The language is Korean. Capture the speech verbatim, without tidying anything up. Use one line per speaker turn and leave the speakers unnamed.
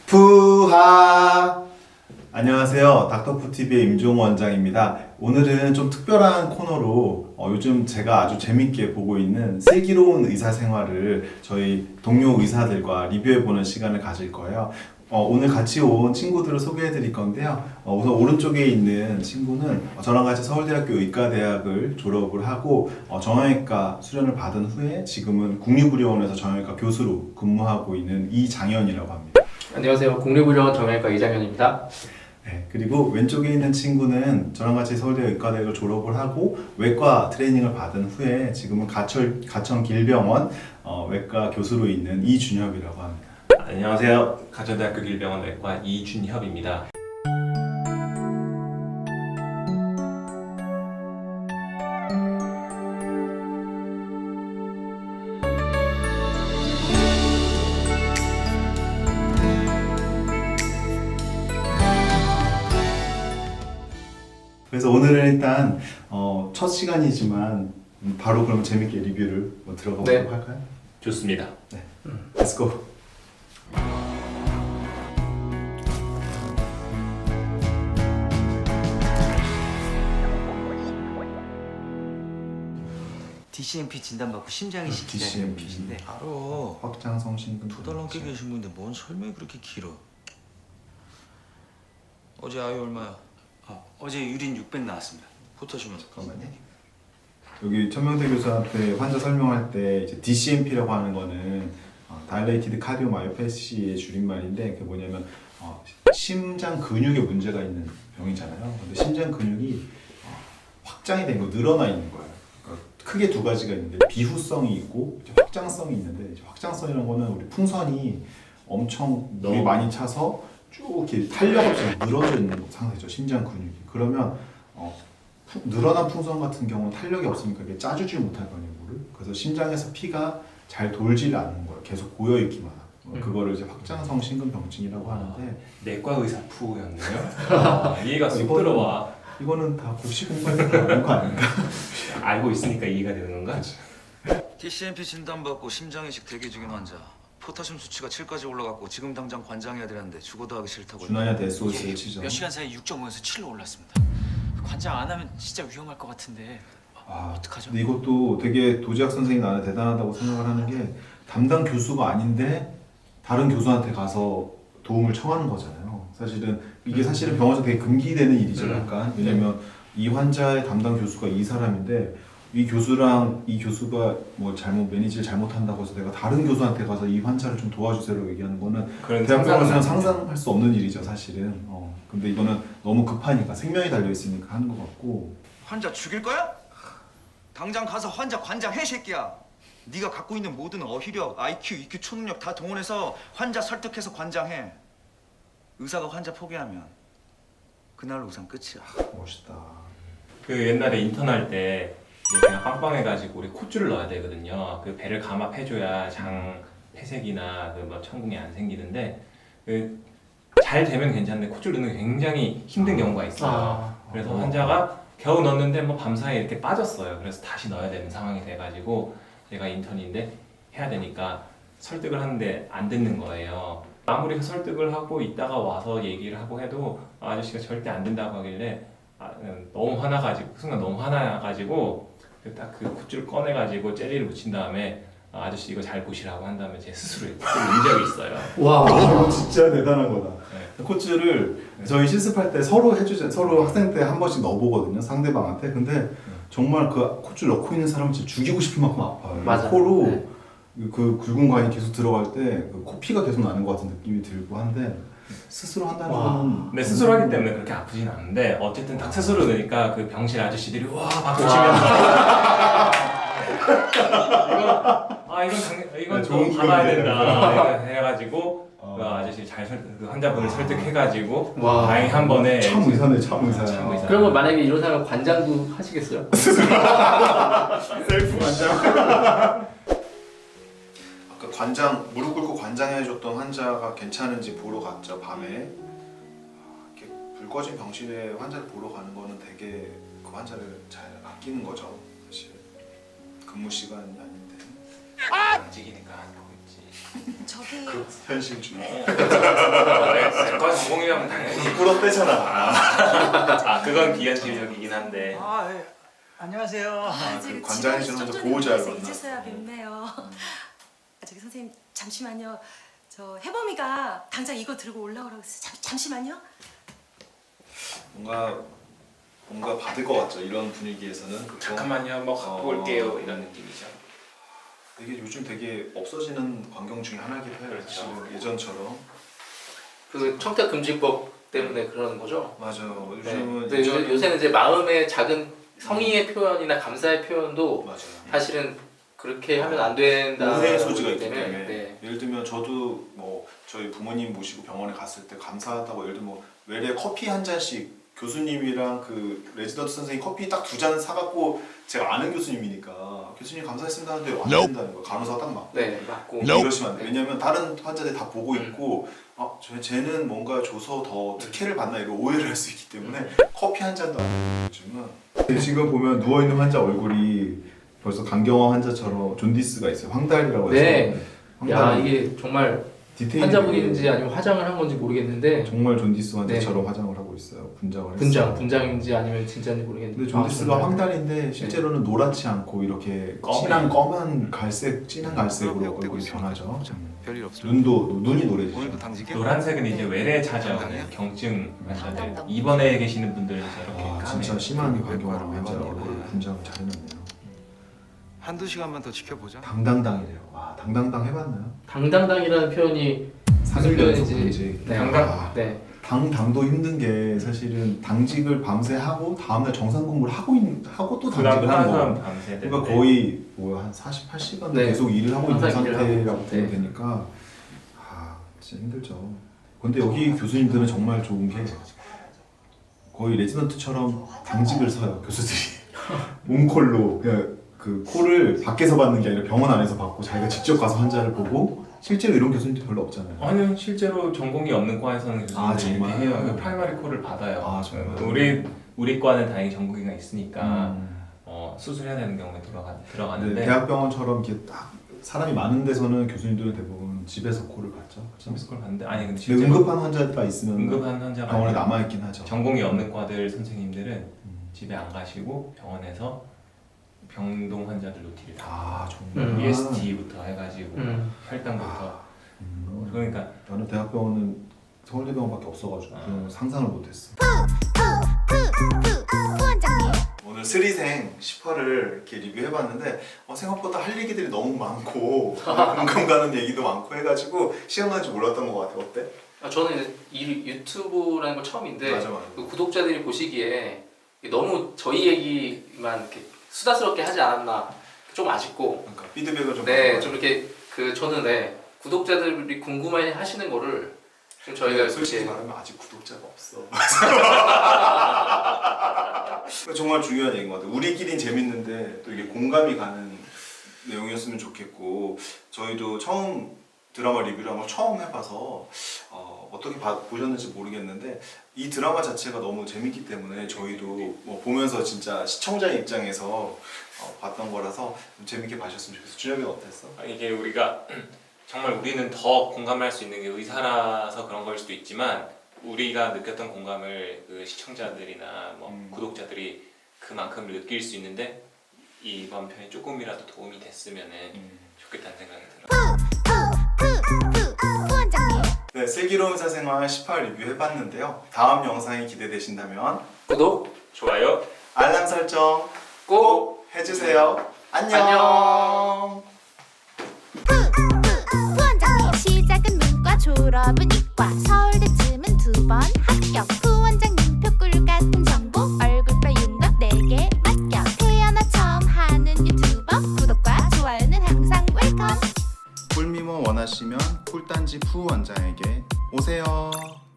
푸하! 안녕하세요. 닥터푸티비의 임종호 원장입니다. 오늘은 좀 특별한 코너로 어, 요즘 제가 아주 재밌게 보고 있는 슬기로운 의사생활을 저희 동료 의사들과 리뷰해보는 시간을 가질 거예요. 어, 오늘 같이 온 친구들을 소개해 드릴 건데요. 어, 우선 오른쪽에 있는 친구는 저랑 같이 서울대학교 의과대학을 졸업을 하고 어, 정형외과 수련을 받은 후에 지금은 국립의료원에서 정형외과 교수로 근무하고 있는 이장현이라고 합니다.
안녕하세요. 국립의료원 정형외과 이장현입니다.
네, 그리고 왼쪽에 있는 친구는 저랑 같이 서울대 의과대학을 졸업을 하고 외과 트레이닝을 받은 후에 지금은 가철, 가천길병원 어, 외과 교수로 있는 이준협이라고 합니다.
안녕하세요. 가천대학교 길병원 외과 이준협입니다.
그래서 오늘은 일단 어, 첫 시간이지만 바로 그럼 재밌게 리뷰를 뭐 들어가 보도록
네.
할까요?
좋습니다.
네, Let's go.
디씨엠피 진단받고 심장이 시키는
디씨엠피.
분인데
알아.
확장성 신근
두 달 넘게 계신 분인데 뭔 설명이 그렇게 길어? 어제 아이 얼마야?
어, 어제 유린 육백 나왔습니다.
포타시면
잠깐만요. 여기 천명대 교수한테 환자 설명할 때 이제 디씨엠피라고 하는 거는 어, Dilated Cardiomyopathy의 줄임말인데 그게 뭐냐면 어, 심장 근육에 문제가 있는 병이잖아요. 근데 심장 근육이 어, 확장이 된 거, 늘어나 있는 거예요. 그러니까 크게 두 가지가 있는데 비후성이 있고 이제 확장성이 있는데 이제 확장성이라는 거는 우리 풍선이 엄청 물이
너무-
많이 차서 쭉 이렇게 탄력 없이 늘어져 있는 상태죠. 심장 근육이. 그러면 어, 푸- 늘어난 풍선 같은 경우는 탄력이 없으니까 이게 짜주지 못할 거 아니에요, 물을. 그래서 심장에서 피가 잘 돌질 않는 거예요. 계속 고여 있기만 하고.
음.
그거를 이제 확장성 심근병증이라고 하는데
내과 의사 푸였네요. 아, 이해가 쏙
이거는-
들어와.
이거는 다 국시 공부해서 나온 거 아닌가?
알고 있으니까 이해가 되는 건가?
디씨엠피 진단받고 심장이식 대기 중인 환자. 포타슘 수치가 칠까지 올라갔고 지금 당장 관장해야 되는데 죽어도 하기 싫다고.
준하냐 데스오스를 치죠.
몇 시간 사이 육 점 오에서 칠로 올랐습니다. 관장 안 하면 진짜 위험할 것 같은데
아,
어떡하죠?
근데 이것도 되게 도지학 선생님 나는 대단하다고 생각을 하는 게 담당 교수가 아닌데 다른 교수한테 가서 도움을 청하는 거잖아요. 사실은 이게 사실은 병원에서 되게 금기되는 일이죠,
음.
약간. 왜냐면 이 환자의 담당 교수가 이 사람인데 이 교수랑 이 교수가 뭐 잘못 매니지를 잘못한다고 해서 내가 다른 교수한테 가서 이 환자를 좀 도와주세요라고 얘기하는 거는
그런
대학병원에서는
상상은
상상할 수 없는 일이죠, 사실은. 어. 근데 이거는 너무 급하니까 생명이 달려 있으니까 하는 것 같고.
환자 죽일 거야? 당장 가서 환자 관장해 새끼야. 네가 갖고 있는 모든 어휘력, 아이큐, 이큐, 초능력 다 동원해서 환자 설득해서 관장해. 의사가 환자 포기하면 그날로 우선 끝이야.
멋있다.
그 옛날에 인턴할 때 이제 그냥 빵빵해가지고 우리 콧줄을 넣어야 되거든요. 그 배를 감압해줘야 장 폐색이나 그 뭐 천궁이 안 생기는데 그 잘 되면 괜찮은데 콧줄 넣는 게 굉장히 힘든 경우가 있어요.
아,
그래서 환자가 겨우 넣었는데 뭐 밤사이에 이렇게 빠졌어요. 그래서 다시 넣어야 되는 상황이 돼가지고 제가 인턴인데 해야 되니까 설득을 하는데 안 듣는 거예요. 아무리 설득을 하고 있다가 와서 얘기를 하고 해도 아저씨가 절대 안 된다고 하길래 아, 너무 화나가지고 그 순간 너무 화나가지고 딱 그 콧줄 꺼내가지고 젤리를 묻힌 다음에 아, 아저씨 이거 잘 보시라고 한 다음에 제 스스로 콧줄 넣은 적이 있어요.
와.
아, 진짜 대단한 거다.
네.
코치를 저희 실습할 때 서로 해주자, 서로 학생 때 한 번씩 넣어보거든요, 상대방한테. 근데 정말 그 코치 넣고 있는 사람은 진짜 죽이고 싶을 만큼 아파요.
맞아.
코로
네.
그 굵은 관이 계속 들어갈 때 그 코피가 계속 나는 것 같은 느낌이 들고 한데 스스로 한다는
와.
거는
근데 스스로 하기 때문에 그렇게 아프진 않은데 어쨌든 딱 스스로 넣으니까 그 병실 아저씨들이 와 박수 치면서 이거 아 이건 당, 이건
네,
좀
좋은
받아야
기억이네요.
된다 이거 해가지고
어.
그 아저씨 잘 설, 그 환자분을 설득해가지고
와.
다행히 한 번에
참 의사네, 참 의사야.
참 의사.
그러면 만약에 이런 사람 관장도 하시겠어요?
셀프 관장. 아까 관장 무릎 꿇고 관장해줬던 환자가 괜찮은지 보러 갔죠, 밤에. 아, 이렇게 불 꺼진 병실에 환자를 보러 가는 거는 되게 그 환자를 잘 아끼는 거죠, 사실. 근무 시간이 아닌데.
움직이니까 안 보고 있지.
저기
그 현실주의.
어.
그거 빼잖아.
아 그건 비현실적이긴 한데.
아, 예. 안녕하세요.
아, 그
저기
관장이시는
직원이
저
좀
보호자로
전에
만났어요.
이제서야 뵙네요. 아, 저기 선생님 잠시만요. 저 해범이가 당장 이거 들고 올라오라고 했어요. 잠, 잠시만요.
뭔가 뭔가 받을 것 같죠. 이런 분위기에서는. 그거
잠깐만요, 뭐 갖고
어.
올게요 이런 느낌이죠.
되게 요즘 되게 없어지는 광경 중에 하나이기도 해요.
그렇죠.
사실 예전처럼.
그 청탁금지법 때문에 그러는 거죠.
맞아요.
네.
요즘은
근데 요, 요새는 이제 마음의 작은 성의의 표현이나 감사의 표현도
맞아요.
사실은 그렇게 하면 안 된다.
오해의 소지가 있기 때문에
네.
예를 들면 저도 뭐 저희 부모님 모시고 병원에 갔을 때 감사하다고 예를 들면 뭐 외래 커피 한 잔씩 교수님이랑 그 레지던트 선생님 커피 딱 두 잔 사갖고 제가 아는 교수님이니까 교수님 감사했습니다 하는데 안 된다는 거예요. 간호사가 딱 맞고
네, 맞고.
이러시면 안 돼요. 왜냐면 다른 환자들이 다 보고
음.
있고 아, 저, 쟤는 뭔가 줘서 더 특혜를 받나 이런 오해를 할 수 있기 때문에 커피 한 잔도 안 돼요. 요즘은 지금 보면 누워있는 환자 얼굴이 벌써 강경화 환자처럼 존디스가 있어요. 황달이라고 해서
네. 야
황달
이게 정말
디테일이
환자분인지 아니면 화장을 한 건지 모르겠는데
정말 존디스 환자처럼 화장을 하고 있어요. 분장을
분장,
했어요.
분장인지 아니면 진짜인지 모르겠는데.
근데 존디스가
아, 정말.
황달인데 실제로는 노랗지 않고 이렇게
검은.
진한 검은 갈색, 진한 갈색으로
역대고
얼굴이
있습니다.
변하죠.
자, 별일 없습니다.
눈도 눈이 노래지죠.
오늘도 당직이요?
노란색은 이제 외래
당당해요?
찾아오는 경증 환자들
당당.
입원해 계시는 분들은 저렇게
아,
까매요.
진짜 심한
외과로
광경화 환자
외과로
얼굴
외과로.
분장을 잘 해놨네요.
한두 시간만 더 지켜보자.
당당당이래요. 와, 당당당 해봤나요?
당당당이라는 표현이 무슨
삼 일 연속
표현인지.
당직.
네.
아,
네.
당당도 힘든 게 사실은 당직을 밤새 하고 다음날 정상 근무를 하고 있, 하고 또 당직을 하는
그다음
거.
밤새
그러니까 거의 뭐한 사십팔 시간
네.
계속 일을 하고 있는
항상 일을 하고
상태라고
있죠.
보면
네.
되니까 아 진짜 힘들죠. 근데 여기 교수님들은 정말 좋은 게 거의 레지던트처럼 당직을 서요 교수들이. 몽콜로 그냥 그 콜을 밖에서 받는 게 아니라 병원 안에서 받고 자기가 직접 가서 환자를 보고 실제로 이런 교수님들 별로 없잖아요.
아니요, 실제로 전공이 없는 과에서는
아,
교수님들이 이렇게
정말?
해요. 그 프라이머리 콜을 받아요.
아, 정말?
우리 우리 과는 다행히 전공의가 있으니까
음.
어, 수술해야 되는 경우에 들어가
네,
들어가는데
대학병원처럼 이렇게 딱 사람이 많은 데서는 교수님들은 대부분 집에서 콜을 받죠.
서비스 콜 받는데 아니 근데
근데
실제로
응급한 환자가 있으면
응급한 환자가
병원에
아니라
남아 있긴 하죠.
전공이 없는 과들 선생님들은
음.
집에 안 가시고 병원에서 병동 환자들 노티를 다
아 정말.
음.
이에스티부터 해가지고
음.
혈당부터
음.
그러니까
나는 대학병원은 서울대병원밖에 없어가지고
아.
그냥 상상을 못했어.
후원장님.
오늘 스리생 십 화를 이렇게 리뷰해봤는데 어, 생각보다 할 얘기들이 너무 많고 공감 가는 얘기도 많고 해가지고 시간 가는 줄 몰랐던 것 같아. 어때?
아, 저는 이제 이 유튜브라는 거 처음인데
맞아, 맞아.
그 구독자들이 보시기에 너무 저희 얘기만 이렇게 수다스럽게 하지 않았나 좀 아쉽고
그러니까 피드백을 좀.
네,
받아봐요.
좀 이렇게 그 저는 네 구독자들이 궁금해 하시는 거를 좀 저희가
솔직히
이렇게
말하면 아직 구독자가 없어. 정말 중요한 얘기인 것 같아요. 우리끼린 재밌는데 또 이게 공감이 가는 내용이었으면 좋겠고 저희도 처음 드라마 리뷰를 한걸 처음 해봐서 어, 어떻게 봐, 보셨는지 모르겠는데 이 드라마 자체가 너무 재밌기 때문에 저희도 뭐 보면서 진짜 시청자의 입장에서 어, 봤던 거라서 좀 재밌게 봐주셨으면 좋겠어. 준혁이는 어땠어?
아, 이게 우리가 정말 우리는 더 공감을 할 수 있는 게 의사라서 그런 걸 수도 있지만 우리가 느꼈던 공감을 그 시청자들이나 뭐
음.
구독자들이 그만큼 느낄 수 있는데 이번 편이 조금이라도 도움이 됐으면 좋겠다는 생각이 들어요.
후원장님.
네, 슬기로운 의사생활 십 화 리뷰 해봤는데요. 다음 영상이 기대되신다면
구독
좋아요.
알람 설정
꼭
해주세요. 안녕.
안녕.
후원장님. 시작은 문과 졸업은 이과 서울대쯤은 두 번 합격. 후원장님 표꿀 같은 정보 얼굴뼈 윤곽 네 개 맡겨. 태어나 처음 하는 유튜버 구독과 좋아요는 항상 웰컴.
꿀미모 원하시면 꿀단지 푸 원장에게 오세요.